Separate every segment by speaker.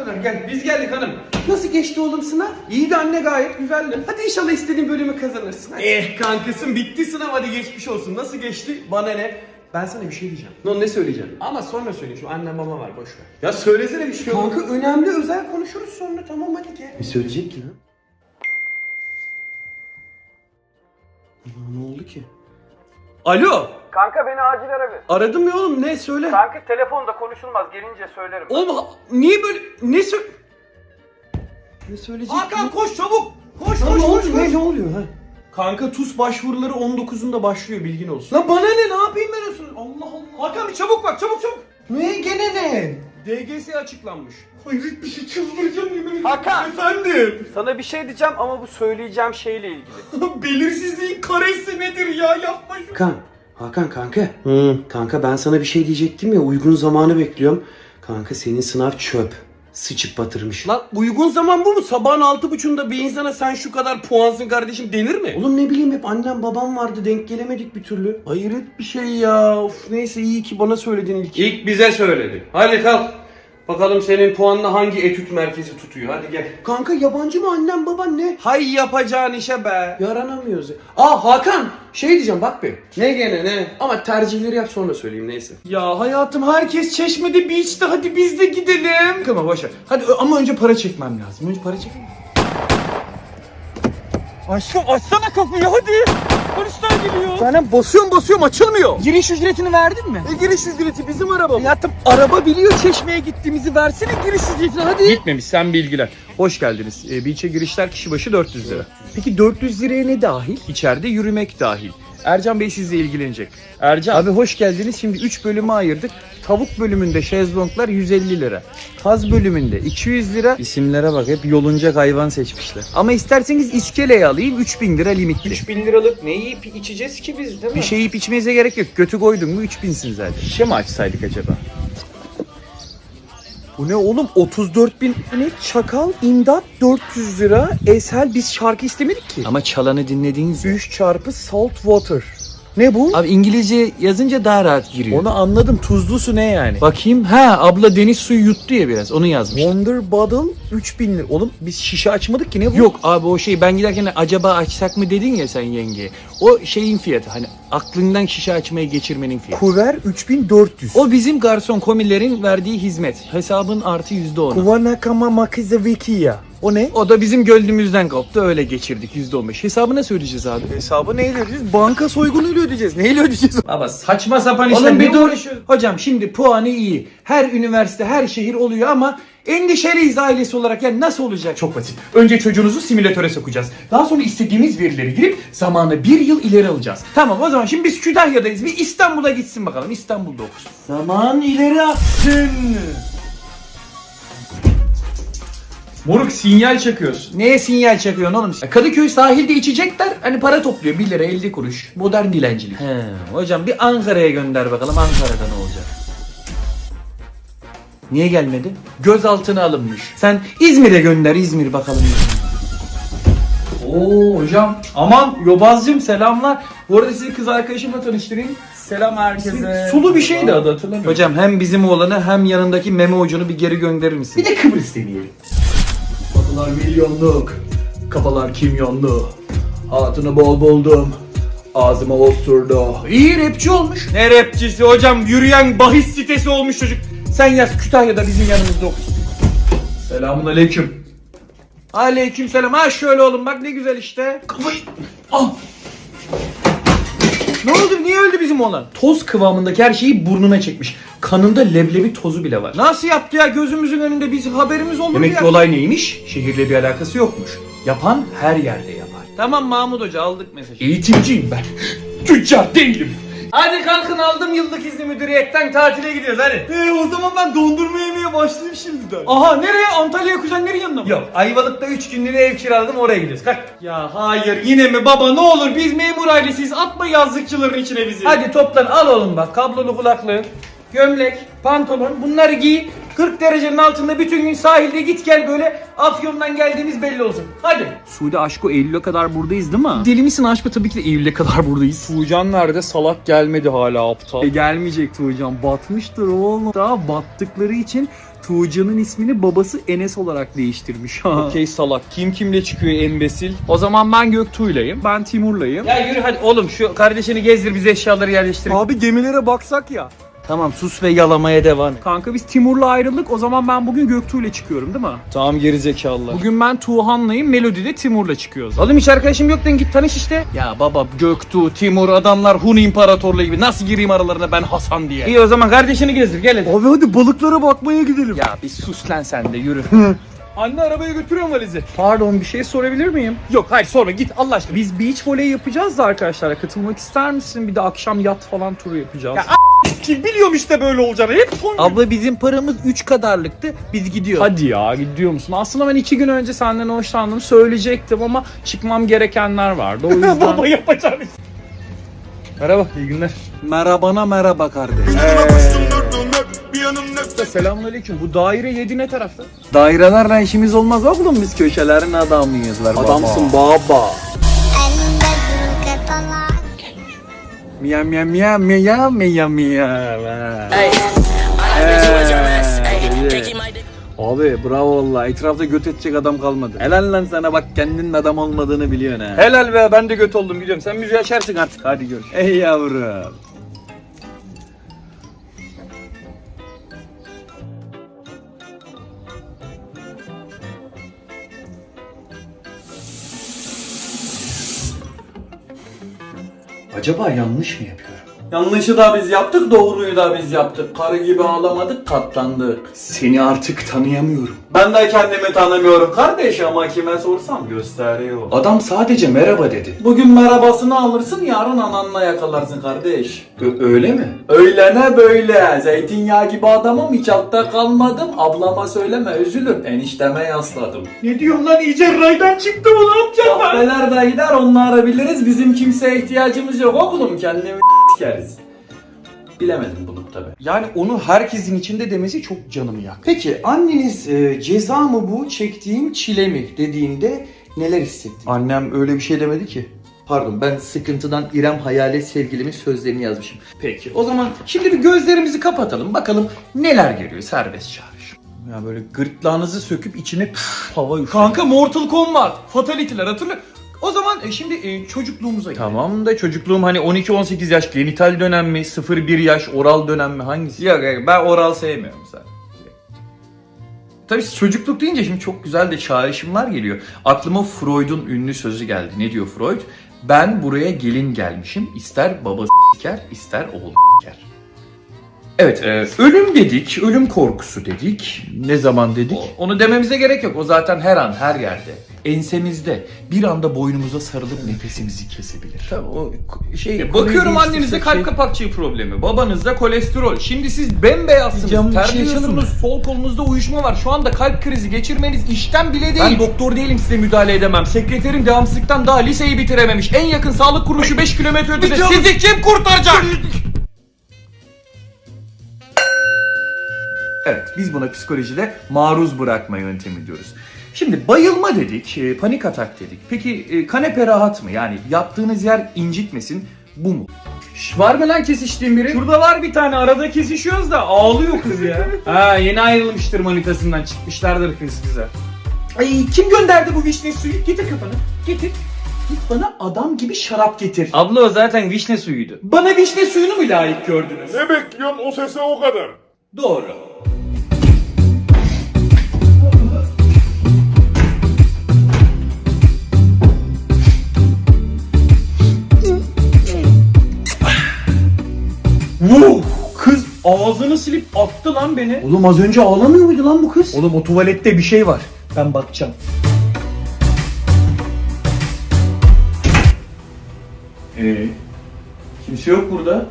Speaker 1: kadar gel. Biz geldik hanım. Nasıl geçti oğlum sınav? İyiydi anne, gayet güzeldi. Hadi inşallah istediğin bölümü kazanırsın. Hadi. Kankasın bitti sınav, hadi geçmiş olsun. Nasıl geçti? Bana ne? Ben sana bir şey diyeceğim. Ne söyleyeceğim? Ama sonra söyle, şu annem baba var, boş ver. Ya söylesene bir şey. Kanka önemli, özel konuşuruz sonra, tamam hadi gel. Ne söyleyecek ki lan? Ne oldu ki? Alo.
Speaker 2: Kanka beni acil ara bir.
Speaker 1: Aradım ya oğlum, ne söyle?
Speaker 2: Kanka telefonda konuşulmaz, gelince söylerim.
Speaker 1: Oğlum niye böyle ne söyleyecek?
Speaker 2: Hakan koş çabuk. Koş
Speaker 1: Lan
Speaker 2: koş
Speaker 1: ne
Speaker 2: koş.
Speaker 1: oluyor? Ne oluyor ha? Kanka TUS başvuruları 19'unda başlıyor, bilgin olsun. Lan bana ne yapayım ben olsun? Allah Allah.
Speaker 2: Hakan bir çabuk bak, çabuk çabuk.
Speaker 1: Ne gene ne? DGS açıklanmış. Hayret bir şey, çıldıracağım yemin.
Speaker 2: Hakan.
Speaker 1: Efendim.
Speaker 2: Sana bir şey diyeceğim ama bu söyleyeceğim şeyle ilgili.
Speaker 1: Belirsizliğin karesi nedir ya, yapma şunu. Hakan kanka. Kanka ben sana bir şey diyecektim ya, uygun zamanı bekliyorum. Kanka senin sınav çöp. Sıçıp batırmış. Lan uygun zaman bu mu? Sabahın 6.30'da bir insana sen şu kadar puansın kardeşim denir mi? Oğlum ne bileyim, hep annem babam vardı, denk gelemedik bir türlü. Hayret bir şey ya. Of, neyse iyi ki bana söyledin ilk. İlk bize söyledi. Hadi kalk. Bakalım senin puanla hangi etüt merkezi tutuyor, hadi gel. Kanka yabancı mı annem baban ne? Hay yapacağın işe be. Yaranamıyoruz. Hakan, şey diyeceğim bak be. Ne gene ne? Ama tercihleri yap sonra söyleyeyim, neyse. Ya hayatım, herkes Çeşme'de beach'te, hadi biz de gidelim. Kıma boşver. Hadi ama önce para çekmem lazım. Önce para çekeyim.
Speaker 2: Aşkım açsana kapıyı hadi. Polisler geliyor.
Speaker 1: Zaten basıyorum açılmıyor.
Speaker 2: Giriş ücretini verdin mi?
Speaker 1: Giriş ücreti bizim arabam.
Speaker 2: Hayatım araba biliyor Çeşme'ye gittiğimizi, versene giriş ücretini hadi.
Speaker 3: Gitmemiş, sen bilgiler. Hoş geldiniz. Beach'e girişler kişi başı 400 lira. Peki 400 liraya ne dahil? İçeride yürümek dahil. Ercan Bey sizle ilgilenecek. Ercan abi hoş geldiniz. Şimdi 3 bölüme ayırdık. Tavuk bölümünde şezlonglar 150 lira. Kaz bölümünde 200 lira. İsimlere bak, hep yolunacak hayvan seçmişler. Ama isterseniz iskeleyi alayım, 3000 lira limitli.
Speaker 1: 3000 liralık ne yiyip içeceğiz ki biz, değil mi?
Speaker 3: Bir şey yiyip içmenize gerek yok. Götü koydun mu 3000'sin zaten. Şişe mi açsaydık acaba? Bu ne oğlum, 34.000 ne, çakal imdat 400 lira. Esel, biz şarkı istemedik ki. Ama çalanı dinlediğiniz
Speaker 1: 3 çarpı salt water. Ne bu?
Speaker 3: Abi İngilizce yazınca daha rahat giriyor.
Speaker 1: Onu anladım, tuzlu su ne yani?
Speaker 3: Bakayım, ha abla deniz suyu yuttu ya biraz, onu yazmış.
Speaker 1: Wonder Bottle 3000 lira. Oğlum biz şişe açmadık ki, ne bu?
Speaker 3: Yok abi, o şey, ben giderken acaba açsak mı dedin ya sen yengeye. O şeyin fiyatı, hani aklından şişe açmayı geçirmenin fiyatı.
Speaker 1: Kuver 3400.
Speaker 3: O bizim garson komilerin verdiği hizmet. Hesabın artı %10'u.
Speaker 1: Kuvanakama makizavikiya. O ne?
Speaker 3: O da bizim gönlümüzden koptu, öyle geçirdik %15. Hesabı nasıl ödeyeceğiz abi?
Speaker 1: Hesabı neyle ödeyeceğiz? Banka soygunuyla ödeyeceğiz. Neyle ödeyeceğiz?
Speaker 3: Baba saçma sapan işler.
Speaker 1: Oğlum bir
Speaker 3: ne
Speaker 1: dur.
Speaker 3: uğraşıyorsun? Hocam şimdi puanı iyi. Her üniversite, her şehir oluyor ama endişeliyiz ailesi olarak. Yani nasıl olacak?
Speaker 4: Çok basit. Önce çocuğunuzu simülatöre sokacağız. Daha sonra istediğimiz verileri girip zamanı 1 yıl ileri alacağız.
Speaker 3: Tamam, o zaman şimdi biz Kütahya'dayız. Bir İstanbul'a gitsin bakalım. İstanbul'da okusun.
Speaker 1: Zaman ileri aksın.
Speaker 4: Moruk sinyal çakıyorsun.
Speaker 3: Neye sinyal çakıyorsun oğlum? Kadıköy sahilde içecekler. Hani para topluyor. 1 lira 50 kuruş. Modern dilencilik. He, hocam bir Ankara'ya gönder bakalım. Ankara'da ne olacak? Niye gelmedi? Gözaltına alınmış. Sen İzmir'e gönder, İzmir bakalım.
Speaker 4: Oo hocam. Aman Yobazcığım, selamlar. Bu arada sizi kız arkadaşımla tanıştırayım. Selam herkese.
Speaker 3: Sulu bir şeydi adı,
Speaker 4: hatırlamıyorum.
Speaker 3: Hocam hem bizim oğlanı hem yanındaki meme ucunu bir geri gönderir misin?
Speaker 4: Bir de Kıbrıs deneyelim. Kafalar milyonluk, kafalar kimyonlu. Hatunu bol buldum, ağzıma osurdu.
Speaker 3: İyi rapçi olmuş. Ne rapçisi hocam? Yürüyen bahis sitesi olmuş çocuk. Sen yaz, Kütahya'da bizim yanımızda okusun.
Speaker 4: Selamun aleyküm.
Speaker 3: Aleykümselam. Ha şöyle oğlum, bak ne güzel işte.
Speaker 4: Kafayı... Ah!
Speaker 3: Ne oldu? Niye öldü bizim oğlan?
Speaker 4: Toz kıvamındaki her şeyi burnuna çekmiş. Kanında leblebi tozu bile var.
Speaker 3: Nasıl yaptı ya? Gözümüzün önünde, biz haberimiz olur
Speaker 4: Demek
Speaker 3: ya.
Speaker 4: ki olay neymiş? Şehirle bir alakası yokmuş. Yapan her yerde yapar.
Speaker 3: Tamam Mahmut Hoca, aldık mesajı.
Speaker 4: Eğitimciyim ben. Tüccar değilim.
Speaker 3: Hadi kalkın, aldım yıllık izni müdüriyetten, tatile gidiyoruz hadi.
Speaker 1: O zaman ben dondurma yemeye başlayayım şimdiden.
Speaker 3: Aha, nereye? Antalya'ya, kuzenlerin yanına mı?
Speaker 1: Yok, Ayvalık'ta 3 günlüğüne ev kiraladım, oraya gidiyoruz. Kalk.
Speaker 3: Ya hayır, yine mi baba, ne olur, biz memur ailesiyiz, atma yazlıkçıların içine bizi.
Speaker 1: Hadi toplan, al oğlum bak, kablolu kulaklığın, gömlek, pantolon, bunları giy.
Speaker 3: 40 derecenin altında bütün gün sahilde git gel böyle Afyon'dan geldiğimiz belli olsun. Hadi. Suudi Aşko Eylül'e kadar buradayız değil mi? Deli misin Aşko? Tabii ki de Eylül'e kadar buradayız. Tuğcan nerede? Salak gelmedi hala aptal. Gelmeyecek Tuğcan. Batmıştır oğlum. Daha battıkları için Tuğcan'ın ismini babası Enes olarak değiştirmiş. Okey salak. Kim kimle çıkıyor embesil? O zaman ben Göktuğ'layım. Ben Timur'layım. Ya yürü hadi oğlum şu kardeşini gezdir bize eşyaları yerleştir.
Speaker 2: Abi gemilere baksak ya.
Speaker 3: Tamam sus ve yalamaya devam et. Kanka biz Timur'la ayrıldık. O zaman ben bugün Göktuğ'la çıkıyorum değil mi?
Speaker 2: Tamam gerizekalılar.
Speaker 3: Bugün ben Tuğhan'layım. Melodi'de Timur'la çıkıyoruz. Oğlum hiç arkadaşım yok lan git tanış işte. Ya baba Göktuğ, Timur adamlar Hun İmparatorluğu gibi. Nasıl gireyim aralarına ben Hasan diye. İyi o zaman kardeşini gezdir gel hadi.
Speaker 2: Abi hadi balıklara bakmaya gidelim.
Speaker 3: Ya bir sus lan sen de yürü. Anne arabaya götürüyorum valizi. Pardon bir şey sorabilir miyim? Yok hayır sorma git Allah aşkına. Biz beach voley yapacağız da arkadaşlara katılmak ister misin? Bir de akşam yat falan turu yapacağız. Ya
Speaker 2: Kim biliyorum işte böyle olacağını. Hep son.
Speaker 3: abla bizim paramız 3 kadarlıktı. Biz gidiyoruz. Hadi ya gidiyor musun? Aslında ben 2 gün önce senden hoşlandım söyleyecektim ama çıkmam gerekenler vardı. O yüzden...
Speaker 2: Baba yapacağını.
Speaker 3: Merhaba iyi günler.
Speaker 2: Merhabana merhaba kardeş.
Speaker 3: Selamünaleyküm. Bu daire 7 ne tarafta?
Speaker 2: Dairelerle işimiz olmaz oğlum, biz köşelerin adamıyız.
Speaker 3: Adamsın baba.
Speaker 2: Miya miya miya miya miya miya. Abi bravo valla, etrafta göt edecek adam kalmadı. Helal lan sana, bak kendinin adam olmadığını biliyorsun ha.
Speaker 3: Helal be ben de göt oldum gidiyorum. Sen müziği açarsın artık. Hadi görüşürüz.
Speaker 2: Ey yavrum.
Speaker 1: Acaba yanlış mı yapıyorum?
Speaker 2: Yanlışı da biz yaptık, doğruyu da biz yaptık. Karı gibi ağlamadık, katlandık.
Speaker 1: Seni artık tanıyamıyorum.
Speaker 2: Ben de kendimi tanımıyorum kardeş ama kime sorsam gösteriyor.
Speaker 1: Adam sadece merhaba dedi.
Speaker 2: Bugün merhabasını alırsın, yarın ananla yakalarsın kardeş.
Speaker 1: Öyle mi?
Speaker 2: Öyle ne böyle? Zeytinyağı gibi adamım, hiç altta kalmadım. Ablama söyleme, üzülür. Enişteme yasladım.
Speaker 3: Ne diyorsun lan iyice raydan çıktı mı ne yapacağım ben?
Speaker 2: Kahveler de gider, onları biliriz. Bizim kimseye ihtiyacımız yok oğlum. Kendimi s**keriz. Bilemedim bunu tabi.
Speaker 1: Yani onu herkesin içinde demesi çok canımı yaktı. Peki anneniz ceza mı bu çektiğim çile mi dediğinde neler hissettin?
Speaker 5: Annem öyle bir şey demedi ki. Pardon, ben sıkıntıdan İrem hayalet sevgilimin sözlerini yazmışım.
Speaker 1: Peki o zaman şimdi bir gözlerimizi kapatalım bakalım neler geliyor serbest çağrış.
Speaker 5: Ya böyle gırtlağınızı söküp içine hava üfleyin.
Speaker 3: Kanka Mortal Kombat, Fatality'ler hatırlıyor. O zaman şimdi çocukluğumuza gidelim.
Speaker 5: Tamam da çocukluğum hani 12-18 yaş genital dönem mi, 0-1 yaş oral dönem mi, hangisi?
Speaker 3: Yok ben oral sevmiyorum zaten.
Speaker 5: Tabii çocukluk deyince şimdi çok güzel de çağrışımlar geliyor. Aklıma Freud'un ünlü sözü geldi. Ne diyor Freud? Ben buraya gelin gelmişim. İster baba s**ker, ister oğul s**ker. Evet, ölüm dedik, ölüm korkusu dedik. Ne zaman dedik?
Speaker 3: Onu dememize gerek yok. O zaten her an, her yerde.
Speaker 5: Ensemizde bir anda boynumuza sarılıp nefesimizi kesebilir.
Speaker 1: Tabii o şey.
Speaker 3: Bakıyorum annenizde kalp kapakçığı problemi, babanızda kolesterol. Şimdi siz bembeyazsınız,
Speaker 5: Canım, bir şey yaşadın
Speaker 3: terliyorsunuz, sol kolunuzda uyuşma var. Şu anda kalp krizi geçirmeniz işten bile değil. Ben doktor değilim size müdahale edemem. Sekreterim devamsızlıktan daha liseyi bitirememiş. En yakın sağlık kuruluşu 5 kilometre ötede. Sizi kim kurtaracak?
Speaker 5: Evet, biz buna psikolojide maruz bırakma yöntemi diyoruz. Şimdi bayılma dedik, panik atak dedik. Peki kanepe rahat mı? Yani yattığınız yer incitmesin, bu mu?
Speaker 3: Var mı lan kesiştiğin biri? Şurada var bir tane, arada kesişiyoruz da ağlıyor kız ya. Ha yeni ayrılmıştır manitasından, çıkmışlardır kız bize. Ay kim gönderdi bu vişne suyu? Getir kafanı, getir. Git bana adam gibi şarap getir.
Speaker 5: Abla o zaten vişne suyuydu.
Speaker 3: Bana vişne suyunu mu layık gördünüz?
Speaker 6: Ne bekliyorsun o sese o kadar?
Speaker 3: Doğru. Wow, kız ağzını silip attı lan beni.
Speaker 1: Oğlum az önce ağlamıyor muydu lan bu kız?
Speaker 3: Oğlum o tuvalette bir şey var. Ben bakacağım.
Speaker 5: Kimse yok burada.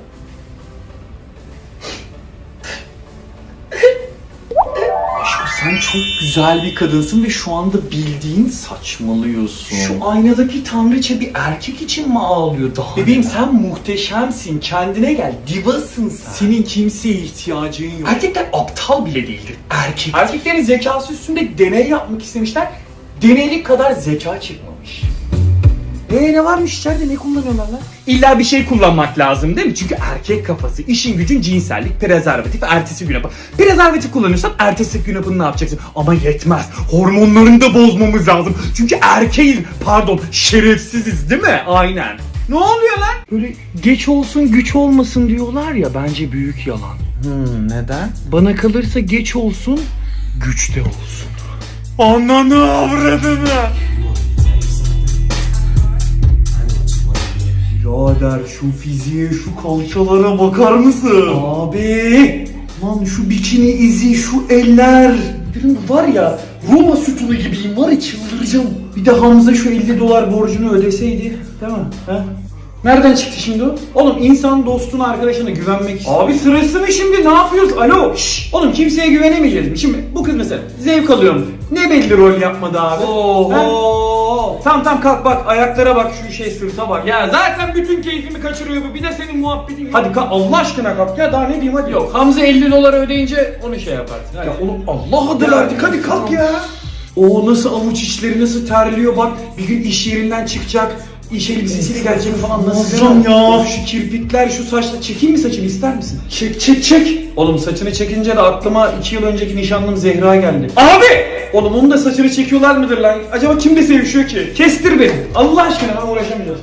Speaker 5: Sen çok güzel bir kadınsın ve şu anda bildiğin saçmalıyorsun.
Speaker 2: Şu aynadaki tanrıça bir erkek için mi ağlıyor daha?
Speaker 5: Bebeğim sen muhteşemsin. Kendine gel. Divasın sen.
Speaker 2: Senin kimseye ihtiyacın yok.
Speaker 5: Erkekler aptal bile değildir.
Speaker 2: Erkeklerin zekası üstünde deney yapmak istemişler. Deneylik kadar zeka çıkmamış. Ne varmış içeride, ne kullanıyorlar lan?
Speaker 3: İlla bir şey kullanmak lazım değil mi? Çünkü erkek kafası, işin gücün cinsellik, prezervatif, ertesi gün hapı. Prezervatif kullanıyorsan ertesi gün hapını ne yapacaksın? Ama yetmez. Hormonlarını da bozmamız lazım. Çünkü erkeğiz. Pardon, şerefsiziz değil mi? Aynen. Ne oluyor lan? Böyle geç olsun güç olmasın diyorlar ya, bence büyük yalan.
Speaker 5: Neden?
Speaker 3: Bana kalırsa geç olsun, güç de olsun. Ananı avradını.
Speaker 2: Birader şu fiziğe, şu kalçalara bakar mısın? Abi! Lan şu bikini izi, şu eller. Benim var ya, Roma sütunu gibiyim, var ya, çıldıracağım. Bir de Hamza şu $50 borcunu ödeseydi, değil mi? He? Nereden çıktı şimdi o? Oğlum insan dostuna, arkadaşına güvenmek istiyor.
Speaker 3: Abi sırası mı şimdi? Ne yapıyoruz? Alo. Şşş.
Speaker 2: Oğlum kimseye güvenemeyeceğiz mi? Şimdi bu kız mesela zevk alıyorum. Ne belli rol yapmadı abi?
Speaker 3: Oho.
Speaker 2: Tamam kalk bak, ayaklara bak, şu sırta bak. Ya zaten bütün keyfimi kaçırıyor bu. Bir de senin muhabbetin. Hadi kalk Allah aşkına kalk ya, daha ne diyeyim hadi.
Speaker 5: Yok, Hamza $50 ödeyince onu şey yaparsın. Hadi.
Speaker 2: Ya oğlum Allah adı verdik, hadi kalk ya. O nasıl avuç içleri nasıl terliyor bak. Bir gün iş yerinden çıkacak. İş elbisesiyle gelecek falan, nasıl ya? Şu kirpikler, şu saçla, çekeyim mi saçını, ister misin? Çek. Oğlum saçını çekince de aklıma 2 yıl önceki nişanlım Zehra geldi. Abi! Oğlum onun da saçını çekiyorlar mıdır lan? Acaba kimle sevişiyor ki? Kestir beni. Allah aşkına, ben uğraşamayacağım.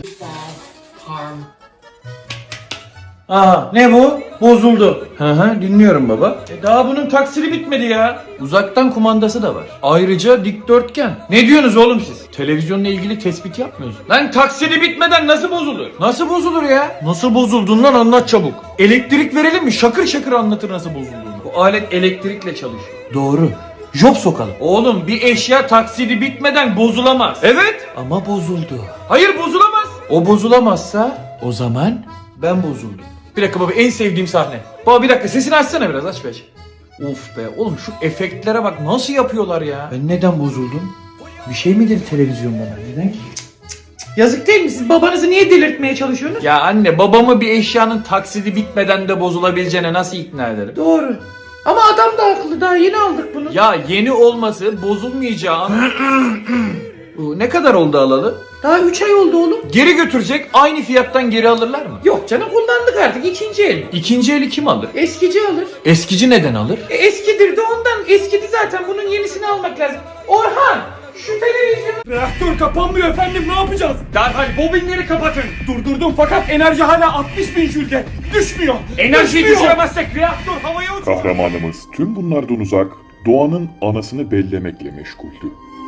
Speaker 2: Aha, ne bu? Bozuldu.
Speaker 5: Dinliyorum baba.
Speaker 2: Daha bunun taksiri bitmedi ya.
Speaker 5: Uzaktan kumandası da var. Ayrıca dikdörtgen.
Speaker 2: Ne diyorsunuz oğlum siz?
Speaker 5: Televizyonla ilgili tespit yapmıyorsun.
Speaker 2: Lan taksiri bitmeden nasıl bozulur?
Speaker 5: Nasıl bozulur ya? Nasıl bozuldun anlat çabuk.
Speaker 2: Elektrik verelim mi? Şakır şakır anlatır nasıl bozulduğunu. Bu alet elektrikle çalışıyor.
Speaker 5: Doğru. Job sokalım.
Speaker 2: Oğlum bir eşya taksidi bitmeden bozulamaz. Evet.
Speaker 5: Ama bozuldu.
Speaker 2: Hayır bozulamaz.
Speaker 5: O bozulamazsa o zaman ben bozuldum.
Speaker 2: Bir dakika baba, en sevdiğim sahne. Baba bir dakika, sesini açsana biraz, aç be. Of be oğlum, şu efektlere bak nasıl yapıyorlar ya.
Speaker 5: Ben neden bozuldum? Bir şey mi dedi televizyon bana? Neden ki?
Speaker 2: Yazık değil mi? Siz babanızı niye delirtmeye çalışıyorsunuz?
Speaker 5: Ya anne, babamı bir eşyanın taksidi bitmeden de bozulabileceğine nasıl ikna ederim?
Speaker 2: Doğru. Ama adam da haklı, daha yeni aldık bunu.
Speaker 5: Ya yeni olması bozulmayacağı Bu ne kadar oldu alalı?
Speaker 2: Daha 3 ay oldu oğlum.
Speaker 5: Geri götürecek, aynı fiyattan geri alırlar mı?
Speaker 2: Yok canım, kullandık artık, ikinci el.
Speaker 5: İkinci eli kim alır?
Speaker 2: Eskici alır.
Speaker 5: Eskici neden alır?
Speaker 2: Eskidir de ondan, eskidi zaten, bunun yenisini almak lazım. Orhan! Şu televizyon... Reaktör kapanmıyor efendim, ne yapacağız? Derhal bobinleri kapatın. Durdurdum fakat enerji hala 60.000 jülde. Düşmüyor. Enerjiyi düşüremezsek reaktör havaya uçuyor.
Speaker 6: Kahramanımız tüm bunlardan uzak, doğanın anasını bellemekle meşguldü.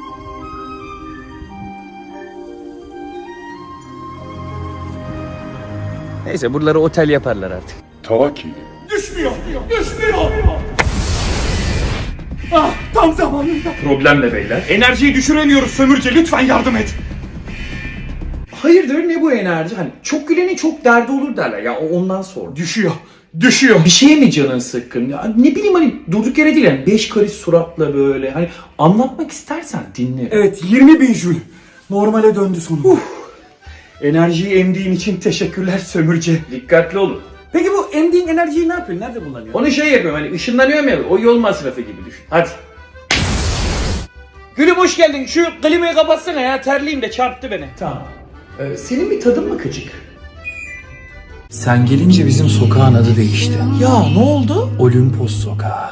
Speaker 3: Neyse buraları otel yaparlar artık.
Speaker 6: Ta ki
Speaker 2: Düşmüyor. Ah, tam zamanında.
Speaker 3: Problem ne beyler?
Speaker 2: Enerjiyi düşüremiyoruz sömürce, lütfen yardım et. Hayırdır, ne bu enerji? Hani çok gülenin çok derdi olur derler ya, ondan sor. Düşüyor. Bir şeye mi canın sıkkın? Ya ne bileyim, hani durduk yere değil yani, 5 karış suratla böyle, hani anlatmak istersen dinle. Evet, 20.000 jül. Normale döndü sonunda. Enerjiyi emdiğin için teşekkürler sömürce.
Speaker 5: Dikkatli olun.
Speaker 2: Peki bu emdiğin enerjiyi ne yapıyorsun? Nerede kullanıyorsun?
Speaker 5: Onu şey yapıyorum, hani ışınlanıyorum ya, o yol masrafı gibi düşün. Hadi.
Speaker 2: Gülüm hoş geldin. Şu klimayı kapatsana ya, terliyim de çarptı beni. Tamam. Senin bir tadın mı kıcık?
Speaker 7: Sen gelince bizim sokağın adı değişti.
Speaker 2: Ya ne oldu?
Speaker 7: Olimpos Sokağı.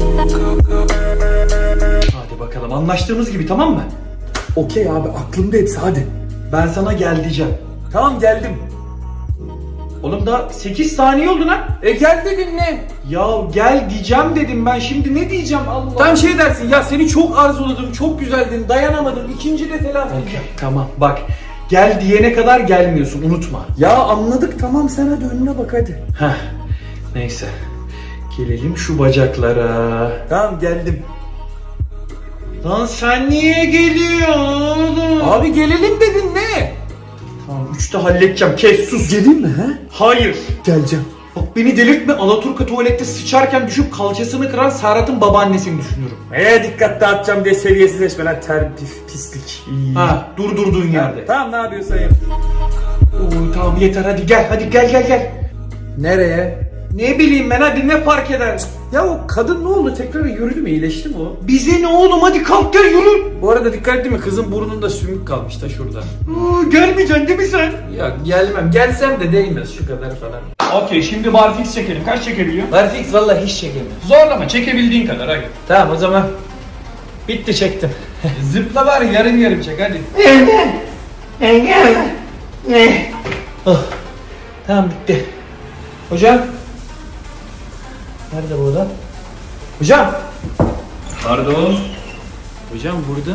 Speaker 2: Hadi bakalım, anlaştığımız gibi, tamam mı?
Speaker 7: Okey abi, aklımda hepsi, hadi.
Speaker 2: Ben sana gel diyeceğim. Tamam, geldim. Oğlum daha 8 saniye oldu lan.
Speaker 7: Gel dedin ne?
Speaker 2: Ya gel diyeceğim dedim ben, şimdi ne diyeceğim Allah.
Speaker 7: Tam şey dersin ya, seni çok arzuladım, çok güzeldin, dayanamadım, ikinci de telafi edeceğim.
Speaker 2: Tamam bak, gel diyene kadar gelmiyorsun, unutma.
Speaker 7: Ya anladık, tamam, sen hadi önüne bak hadi.
Speaker 2: Heh, neyse. Gelelim şu bacaklara.
Speaker 7: Tamam, geldim.
Speaker 2: Lan sen niye geliyorsun?
Speaker 7: Abi gelelim dedin ne?
Speaker 2: Tamam, 3'te halledeceğim, kes sus.
Speaker 7: Geleyim mi he?
Speaker 2: Hayır.
Speaker 7: Geleceğim.
Speaker 2: Bak beni delirtme, Alaturka tuvalette sıçarken düşüp kalçasını kıran Serhat'ın babaannesini düşünüyorum.
Speaker 7: Dikkat dağıtacağım diye seviyesizleşme lan pislik.
Speaker 2: Ha, durduğun yerde.
Speaker 7: Tamam ne yapıyorsun yap.
Speaker 2: Oo, tamam yeter, hadi gel.
Speaker 7: Nereye?
Speaker 2: Ne bileyim ben, hadi ne fark eder?
Speaker 7: Ya o kadın ne oldu? Tekrar yürüdü mü? İyileşti mi o?
Speaker 2: Bize ne oğlum, hadi kalk gel yürü.
Speaker 7: Bu arada dikkat ettin mi? Kızın burnunda sümük kalmış da şurada.
Speaker 2: Gelmeyeceksin değil mi sen?
Speaker 7: Ya gelmem. Gelsem de değmez şu kadar falan.
Speaker 2: Okey, şimdi barfix çekelim. Kaç çekebiliyor?
Speaker 7: Barfix valla hiç çekemiyor.
Speaker 5: Zorlama, çekebildiğin kadar hadi.
Speaker 7: Tamam o zaman. Bitti çektim.
Speaker 5: Zıpla var yarım çek hadi.
Speaker 7: Tamam bitti. Hocam. Nerede bu adam? Hocam.
Speaker 5: Pardon.
Speaker 7: Hocam burada.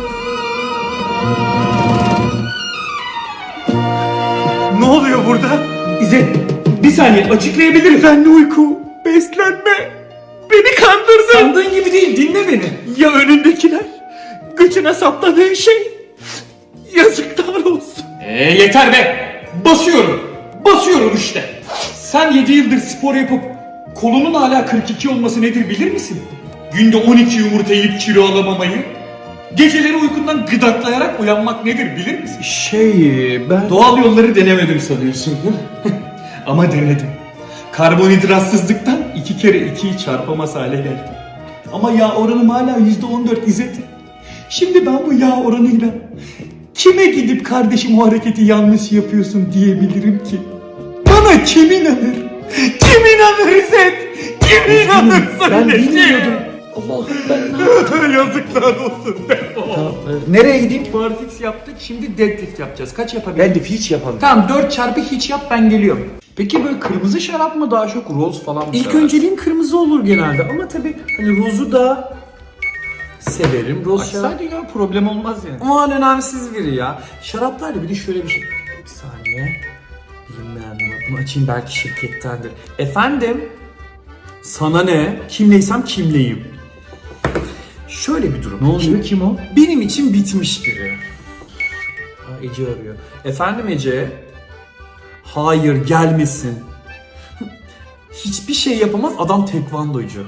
Speaker 2: Ne oluyor burada? İzzet, bir saniye açıklayabilirim. Ben de uyku, beslenme. Beni kandırdın.
Speaker 7: Sandığın gibi değil, dinle beni.
Speaker 2: Ya önündekiler? Göçüne sapladığın şey? Yazıklar olsun.
Speaker 5: Yeter be. Basıyorum işte.
Speaker 2: Sen 7 yıldır spor yapıp kolunun hala 42 olması nedir bilir misin? Günde 12 yumurta yiyip kilo alamamayı, geceleri uykundan gıdaklayarak uyanmak nedir bilir misin?
Speaker 7: Ben...
Speaker 2: Doğal yolları denemedim sanıyorsun değil mi? Ama denedim. Karbonhidratsızlıktan 2 kere 2'yi çarpamaz hale geldim. Ama yağ oranım hala %14 İzzet. Şimdi ben bu yağ oranıyla kime gidip kardeşim o hareketi yanlış yapıyorsun diyebilirim ki? Bana kim inanır? Kim inanır İzzet? Kim inanır?
Speaker 7: Ben bilmiyordum. Allah'ım ben
Speaker 2: Yazıklar olsun.
Speaker 7: Nereye gideyim?
Speaker 5: Barfix yaptık, şimdi deadlift yapacağız. Kaç yapabiliriz?
Speaker 7: Ben de hiç yapamıyorum.
Speaker 5: Tamam 4 çarpı hiç yap ben geliyorum. Peki böyle kırmızı şarap mı daha çok, roz falan mı
Speaker 7: İlk
Speaker 5: seversin?
Speaker 7: önceliğim kırmızı olur genelde ama tabii hani rozu da severim. Roz şarap.
Speaker 5: Açsaydın ya problem olmaz yani.
Speaker 7: Aman önemsiz biri ya. Şaraplarla bir de şöyle bir şey. Bir saniye. Bilinmeyen numara. Bunu açayım belki şirkettendir. Efendim? Sana ne? Kimleysem kimleyim. Şöyle bir durum.
Speaker 5: Ne oluyor, kim o?
Speaker 7: Benim için bitmiş biri. Ha, Ece arıyor. Efendim Ece? Hayır gelmesin. Hiçbir şey yapamaz, adam tekvandocu.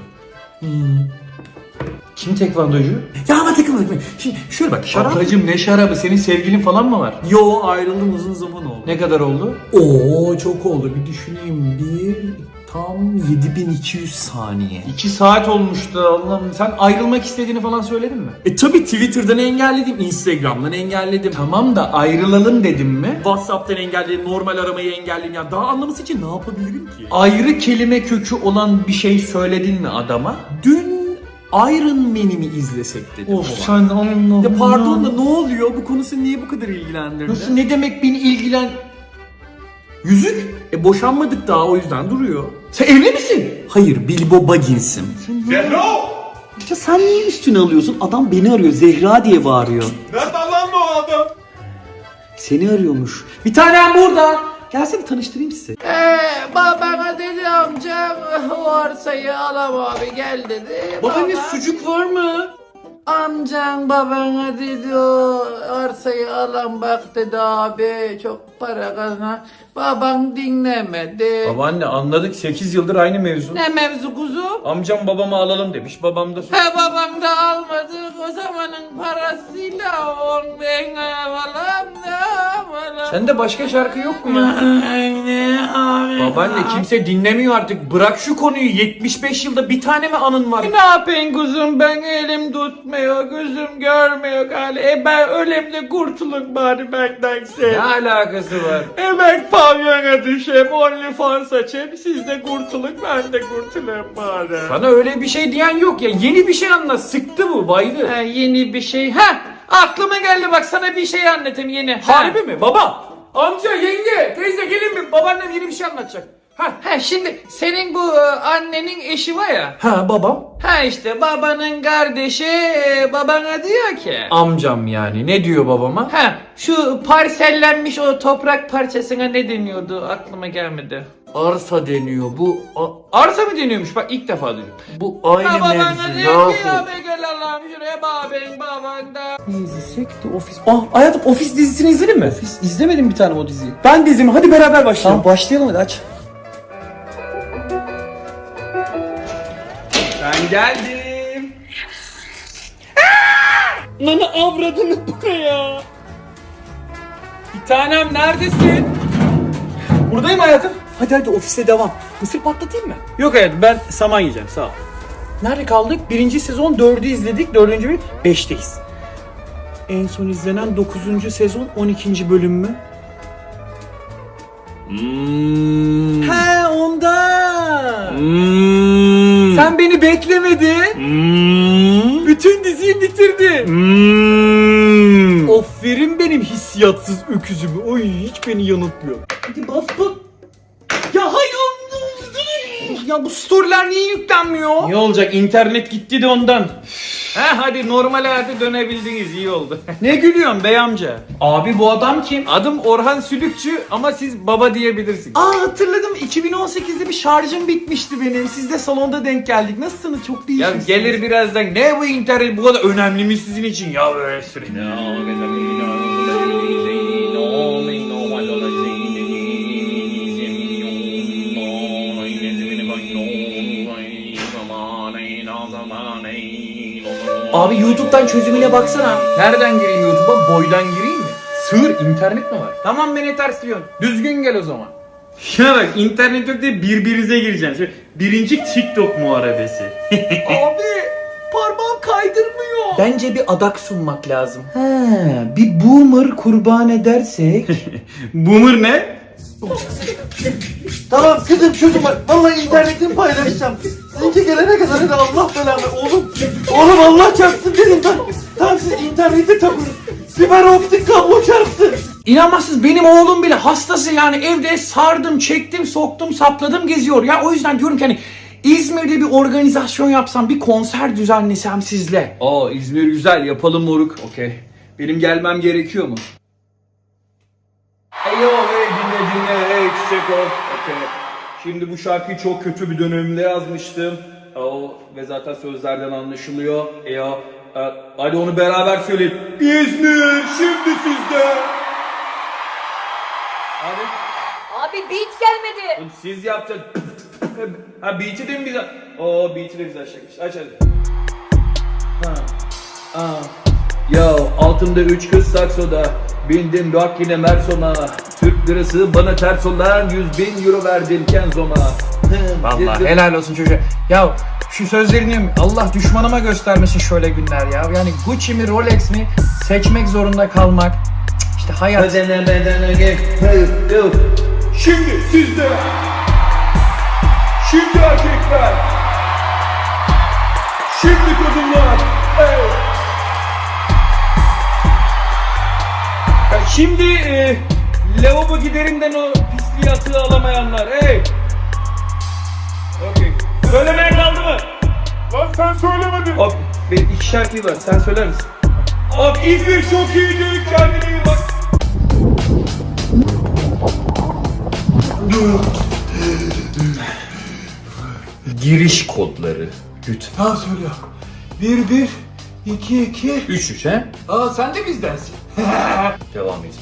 Speaker 5: Kim tekvandocu?
Speaker 7: Ya ama tekvandocu. Şimdi şöyle bak şarap.
Speaker 5: Ablacım ne şarabı, senin sevgilin falan mı var?
Speaker 7: Yo ayrıldım uzun zaman oldu.
Speaker 5: Ne kadar oldu?
Speaker 7: Oo çok oldu bir düşüneyim. Tam 7200 saniye.
Speaker 5: 2 saat olmuştu Allah'ım. Sen ayrılmak istediğini falan söyledin mi?
Speaker 7: Tabi Twitter'dan engelledim, Instagram'dan engelledim.
Speaker 5: Tamam da ayrılalım dedim mi?
Speaker 7: WhatsApp'tan engelledim, normal aramayı engelledim. Ya daha anlaması için ne yapabilirim ki?
Speaker 5: Ayrı kelime kökü olan bir şey söyledin mi adama?
Speaker 7: Dün Iron Man'i izlesek dedim.
Speaker 5: Of sen Allah'ım.
Speaker 7: Ya pardon da ne oluyor? Bu konu seni niye bu kadar ilgilendirdi?
Speaker 5: Nasıl, ne demek beni ilgilen...
Speaker 7: Yüzük? Boşanmadık daha o yüzden duruyor.
Speaker 5: Sen evli misin?
Speaker 7: Hayır, Bilbo Baggins'im.
Speaker 1: Ya sen niye üstüne alıyorsun? Adam beni arıyor. Zehra diye bağırıyor.
Speaker 2: Nerede lan bu adam?
Speaker 1: Seni arıyormuş. Bir tanem burada. Gelsene tanıştırayım sizi.
Speaker 8: Babana dedi amcam o arsayı alam abi gel dedi.
Speaker 5: Babaanne
Speaker 8: Baba,
Speaker 5: sucuk var mı?
Speaker 8: amcan babana dedi o arsayı alam bak dedi abi çok para kazan. Baban dinlemedi.
Speaker 5: Babaanne anladık, 8 yıldır aynı mevzu.
Speaker 8: Ne mevzu kuzum?
Speaker 5: Amcam babamı alalım demiş, babam da...
Speaker 8: He babam da almadı o zamanın parasıyla on ben alam ne alam.
Speaker 5: Sende başka şarkı yok mu ya?
Speaker 8: Ne abi?
Speaker 5: Babaanne kimse dinlemiyor artık, bırak şu konuyu, 75 yılda bir tane mi anın var?
Speaker 8: Ne yapayım kuzum ben elim tutmuyor gözüm görmüyor galiba. Ben ölemde kurtulun bari bendense.
Speaker 5: Ne alakası var?
Speaker 8: Ben pavyona düşeyim, OnlyFans açayım, siz de kurtulun, ben de kurtulayım bari.
Speaker 5: Sana öyle bir şey diyen yok ya, yeni bir şey anlat, sıktı bu, baydı.
Speaker 8: Ha, yeni bir şey, aklıma geldi bak sana bir şey anlatayım yeni.
Speaker 5: Harbi mi? Baba, amca, yenge, teyze gelin mi? Babaannem yeni bir şey anlatacak.
Speaker 8: Şimdi senin bu annenin eşi var ya.
Speaker 7: Ha babam?
Speaker 8: İşte babanın kardeşi babana diyor ki.
Speaker 5: Amcam yani, ne diyor babama?
Speaker 8: Şu parsellenmiş o toprak parçasına ne deniyordu aklıma gelmedi.
Speaker 5: Arsa deniyor bu.
Speaker 8: Arsa mı deniyormuş bak ilk defa duydum.
Speaker 5: Bu aynı
Speaker 8: Babana
Speaker 5: mevzu
Speaker 8: diyor
Speaker 5: yahu.
Speaker 8: ki ya be gel Allah'ım şuraya babanda.
Speaker 7: İzlesek de ofis. Hayatım ofis dizisini izledin mi? Ofis izlemedim bir tane o diziyi. Ben de izledim hadi beraber başlayalım. Tamam başlayalım hadi aç.
Speaker 3: Geldim.
Speaker 7: Nana avradını buraya. Bir tanem neredesin? Buradayım hayatım. Hadi ofise devam. Mısır patlatayım mı? Yok hayatım ben saman yiyeceğim sağ ol. Nerede kaldık? 1. sezon 4'ü izledik. 4. bölüm 5'teyiz. En son izlenen 9. sezon 12. bölüm mü? He ondan. Sen beni beklemedin. Bütün diziyi bitirdin. Aferin benim hissiyatsız öküzümü. Oy hiç beni yanıltmıyor.
Speaker 2: Hadi bas bak. Ya hayır. Ya bu storyler niye yüklenmiyor?
Speaker 3: Ne olacak? İnternet gitti de ondan. Hadi normal hayata dönebildiniz. İyi oldu. Ne gülüyorsun bey amca?
Speaker 2: Abi bu adam kim?
Speaker 3: Adım Orhan Sülükçü ama siz baba diyebilirsiniz.
Speaker 2: Aa hatırladım. 2018'de bir şarjım bitmişti benim. Siz de salonda denk geldik. Nasılsınız? Çok
Speaker 3: Ya
Speaker 2: değişmişsiniz.
Speaker 3: gelir birazdan. Ne bu internet bu kadar önemli mi sizin için? Ya böyle sürekli.
Speaker 2: Abi YouTube'dan çözümüne baksana.
Speaker 3: Nereden gireyim YouTube'a? Boydan gireyim mi? Sığır internet mi var? Tamam beni tersliyorsun. Düzgün gel o zaman. Ya bak internet yok diye birbirinize gireceksin. Şöyle, birinci TikTok muharebesi.
Speaker 2: Abi parmağım kaydırmıyor. Bence bir adak sunmak lazım.
Speaker 1: Bir boomer kurban edersek.
Speaker 3: Boomer ne?
Speaker 1: Tamam kızım çocuğum var. Vallahi internetimi paylaşacağım. Sizinki gelene kadar hadi Allah belanı. Oğlum Allah çarpsın dedim ben. Tamam siz internete takın. Fiber optik kablo çarpsın.
Speaker 2: İnanmazsınız benim oğlum bile hastası yani evde sardım, çektim, soktum, sapladım geziyor. Ya o yüzden diyorum ki hani İzmir'de bir organizasyon yapsam, bir konser düzenlesem sizle.
Speaker 3: Aa İzmir güzel yapalım moruk. Okey. Benim gelmem gerekiyor mu? Hey yo hey dinle hey çiçek ol. Okey. Şimdi bu şarkıyı çok kötü bir dönemde yazmıştım. Ve zaten sözlerden anlaşılıyor. Hadi onu beraber söyleyelim. İzmir şimdi sizde. Hadi.
Speaker 9: Abi beat gelmedi.
Speaker 3: Oğlum siz yapacaksınız. Ha beat'i de mi bize? Beat'i de güzel şarkı. Aç hadi. Yo altımda 3 kız saksoda. Bindim rock yine Merson'a. Türk lirası bana ters olan 100.000 euro verdim Kenzon'a.
Speaker 7: Vallahi helal olsun çocuğa. Ya şu sözlerini Allah düşmanıma göstermesin şöyle günler ya. Yani Gucci mi Rolex mi seçmek zorunda kalmak. İşte hayat.
Speaker 3: Şimdi sizde. Şimdi erkekler. Şimdi kadınlar. Hey. Şimdi lavabo giderinden o pisliği atığı alamayanlar. Hey. Okey. Söylemeye kaldı mı?
Speaker 6: Lan sen söylemedin.
Speaker 3: Abi benim 2 şarkıyı var. Sen söyler misin? Abi İzmir çok iyiydi. Kendine iyi bak. Giriş kodları. Lütfen.
Speaker 2: Ha söyle. 1 1 2 2
Speaker 3: 3 he?
Speaker 2: Aa sen de bizdensin.
Speaker 3: Devam et.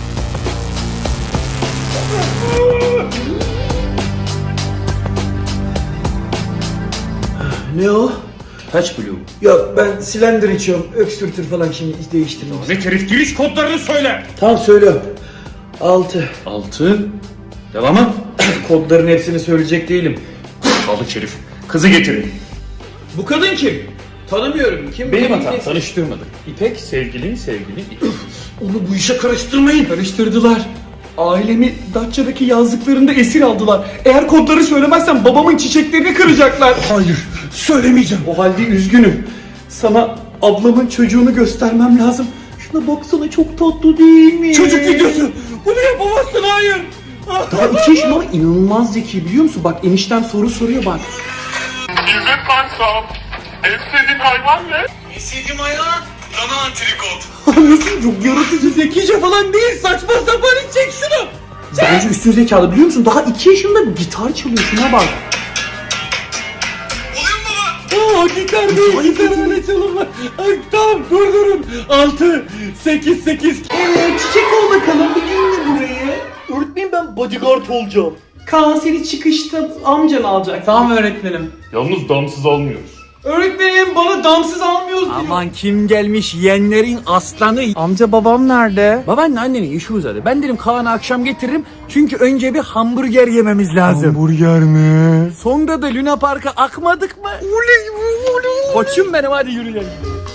Speaker 1: Ne o?
Speaker 3: Kaç blue?
Speaker 1: Yok ben silindir içiyorum. Öksürtür falan şimdi değiştirmem.
Speaker 3: Ve herif giriş kodlarını söyle.
Speaker 1: Tamam söylüyorum. 6.
Speaker 3: 6. Devamı?
Speaker 1: Kodların hepsini söyleyecek değilim.
Speaker 3: Balık herif. Kızı getirin.
Speaker 2: Bu kadın kim? Tanımıyorum. Kim?
Speaker 3: Benim
Speaker 2: Kim?
Speaker 3: hatam.
Speaker 2: Kim?
Speaker 3: Tanıştırmadık. İpek sevgili.
Speaker 2: Onu bu işe karıştırmayın. Karıştırdılar. Ailemi Datça'daki yazlıklarında esir aldılar. Eğer kodları söylemezsem babamın çiçeklerini kıracaklar. Hayır, söylemeyeceğim. O halde üzgünüm. Sana ablamın çocuğunu göstermem lazım. Şuna baksana çok tatlı değil mi? Çocuk videosu. Bunu yapamazsın hayır. Daha 2 yaşında ama inanılmaz zeki biliyor musun? Bak eniştem soru soruyor bak.
Speaker 6: İzzet Kaysal. En sevdiğin hayvan ne?
Speaker 2: Sevdiğim hayvan dana antrikot. Nasıl çok yaratıcı zekice falan değil saçma sapan çek şunu. Bence üstün zekalı biliyor musun? Daha 2 yaşında gitar çalıyor şuna bak. Oluyor mu? Gitar değil gitar öyle çalınma. Ay, tamam durun. 6 8 8. Evet çiçek ol bakalım bir dinle burayı. Öğretmenim ben bodyguard olacağım. Kaan seni çıkışta amcan alacak. Tamam öğretmenim.
Speaker 6: Yalnız damsız almıyoruz.
Speaker 2: Öğretmenim bana damsız almıyoruz diyor.
Speaker 7: Aman kim gelmiş yeğenlerin aslanı.
Speaker 3: Amca babam nerede?
Speaker 7: Babaanne annenin işi uzadı. Ben dedim Kaan'ı akşam getiririm. Çünkü önce bir hamburger yememiz lazım.
Speaker 3: Hamburger mi?
Speaker 7: Sonra da Luna Park'a akmadık mı? Koçum benim hadi yürüyelim.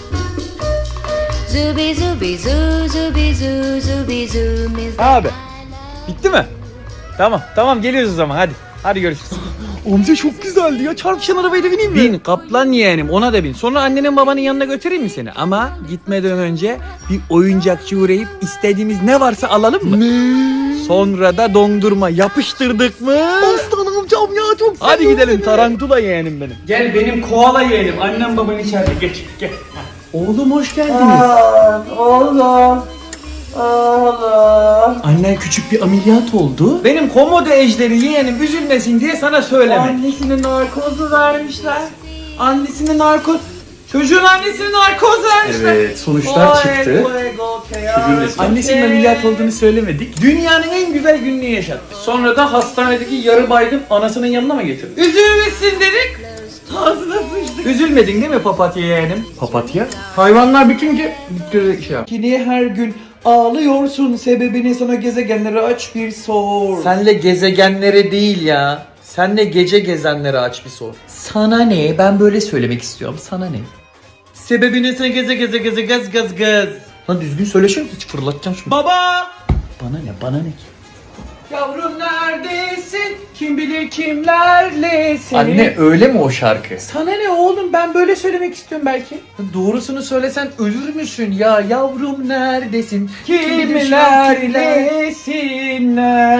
Speaker 9: Zubi zubi zu zubi zu zubi zu miz.
Speaker 3: Abi bitti mi? Tamam geliyoruz o zaman hadi. Hadi görüşürüz.
Speaker 7: Amca çok güzeldi ya. Çarpışan arabaya da bineyim mi?
Speaker 3: Bin kaplan yeğenim ona da bin. Sonra annenin babanın yanına götüreyim mi seni? Ama gitmeden önce bir oyuncakçı uğrayıp istediğimiz ne varsa alalım mı? Sonra da dondurma yapıştırdık mı?
Speaker 7: Aslan amcam ya çok
Speaker 3: Hadi gidelim tarantula yeğenim benim.
Speaker 2: Gel benim koala yeğenim. Annem baban içeride. Geç gel.
Speaker 3: Oğlum hoş geldiniz.
Speaker 1: Oğlum.
Speaker 7: Annen küçük bir ameliyat oldu.
Speaker 2: Benim komodo ejderi yeğenim üzülmesin diye sana söyleme.
Speaker 1: Annesine narkozu vermişler. Annesine narkoz.
Speaker 2: Çocuğun annesine narkoz vermişler.
Speaker 7: Evet sonuçlar çıktı. Annesinin ameliyat olduğunu söylemedik.
Speaker 2: Dünyanın en güzel gününü yaşattı. Sonra da hastanedeki yarı baygın anasının yanına mı getirdi? Üzülmesin dedik. Ağzına sıçtık. Üzülmedin değil mi papatya yeğenim?
Speaker 7: Papatya?
Speaker 2: Hayvanlar bitince şey yap. Niye her gün ağlıyorsun? Sebebini sana gezegenleri aç bir sor.
Speaker 5: Senle gezegenlere değil ya. Senle gece gezenlere aç bir sor. Sana ne? Ben böyle söylemek istiyorum. Sana ne?
Speaker 2: Sebebini sana geze gaz.
Speaker 5: Lan düzgün söyleşir hiç fırlatacağım şunu.
Speaker 2: Baba!
Speaker 5: Bana ne ki?
Speaker 2: Yavrum neredesin? Kim bilir kimlerle seni.
Speaker 5: Anne öyle mi o şarkı?
Speaker 2: Sana ne oğlum, ben böyle söylemek istiyorum belki.
Speaker 5: Doğrusunu söylesen ölür müsün ya? Yavrum neredesin?
Speaker 2: Kimlerlesin,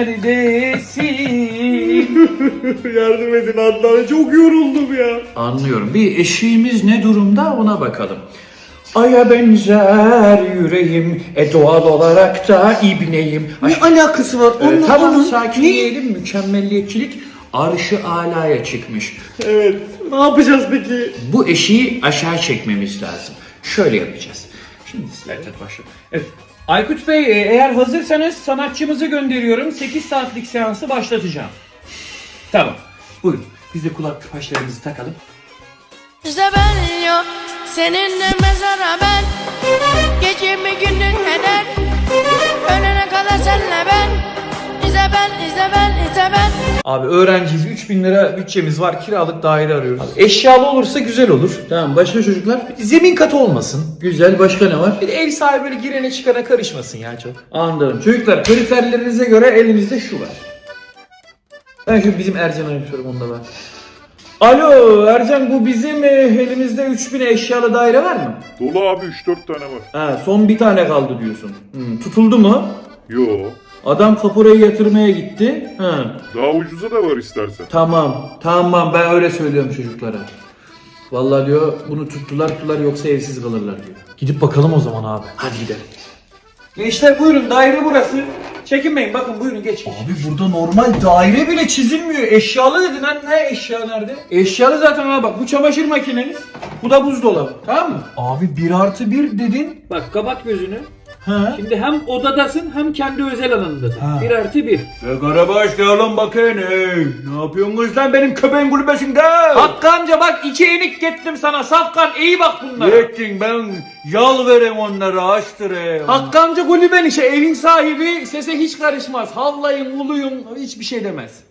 Speaker 2: neredesin?
Speaker 7: Yardım edin Adnan çok yoruldum ya.
Speaker 5: Anlıyorum. Bir eşiğimiz ne durumda ona bakalım.
Speaker 2: Aya benzer yüreğim, doğal olarak da ibneyim.
Speaker 5: Ne alakası var?
Speaker 2: Tamam,
Speaker 5: sakinleyelim. Mükemmelliyetçilik arşı alaya çıkmış.
Speaker 7: Ne yapacağız peki?
Speaker 5: Bu eşiği aşağı çekmemiz lazım. Şöyle yapacağız. Şimdi sizlerle başlayalım. Evet.
Speaker 2: Aykut Bey, eğer hazırsanız sanatçımızı gönderiyorum. 8 saatlik seansı başlatacağım. Tamam. Buyurun. Biz de kulak tıpaçlarımızı takalım.
Speaker 10: İşte ben yok seninle mezara ben. Gecemi gündüz eder. Ölene kadar senle ben. İşte ben.
Speaker 5: Abi öğrenciyiz. 3000 lira bütçemiz var. Kiralık daire arıyoruz. Abi, eşyalı olursa güzel olur. Tamam başka çocuklar? Zemin katı olmasın. Güzel. Başka ne var? Bir de ev sahibi böyle girene çıkana karışmasın ya çok. Anladım. Çocuklar kriterlerinize göre elimizde şu var. Ben şu bizim Ercan'a yapıyorum onda var. Alo Ercan, bu bizim elimizde 3000 eşyalı daire var mı?
Speaker 6: Dolu abi 3-4 tane var.
Speaker 5: Ha, son bir tane kaldı diyorsun. Tutuldu mu?
Speaker 6: Yo.
Speaker 5: Adam kapurayı yatırmaya gitti. Ha.
Speaker 6: Daha ucuza da var istersen.
Speaker 5: Tamam ben öyle söylüyorum çocuklara. Vallahi diyor bunu tuttular yoksa evsiz kalırlar diyor. Gidip bakalım o zaman abi. Hadi gidelim.
Speaker 2: Gençler buyurun, daire burası. Çekinmeyin, bakın buyurun geç.
Speaker 5: Abi burada normal daire bile çizilmiyor.
Speaker 2: Eşyalı dedin lan, ne eşya nerede? Eşyalı zaten ha, bak bu çamaşır makineniz. Bu da buzdolabı, tamam mı?
Speaker 5: Abi 1+1 dedin.
Speaker 2: Bak kapat gözünü.
Speaker 5: Ha.
Speaker 2: Şimdi hem odadasın hem kendi özel alanındasın. 1+1.
Speaker 4: Karabaş gel lan bakayım. Ne yapıyorsunuz lan benim köpeğin kulübesinde?
Speaker 2: Hakkı amca bak 2 enik gettim sana, safkan iyi bak bunlara.
Speaker 4: Yettin ben yal vereyim onlara açtırayım.
Speaker 2: Hakkı amca kulüben işe, evin sahibi sese hiç karışmaz. Havlayın, uluyun, hiçbir şey demez.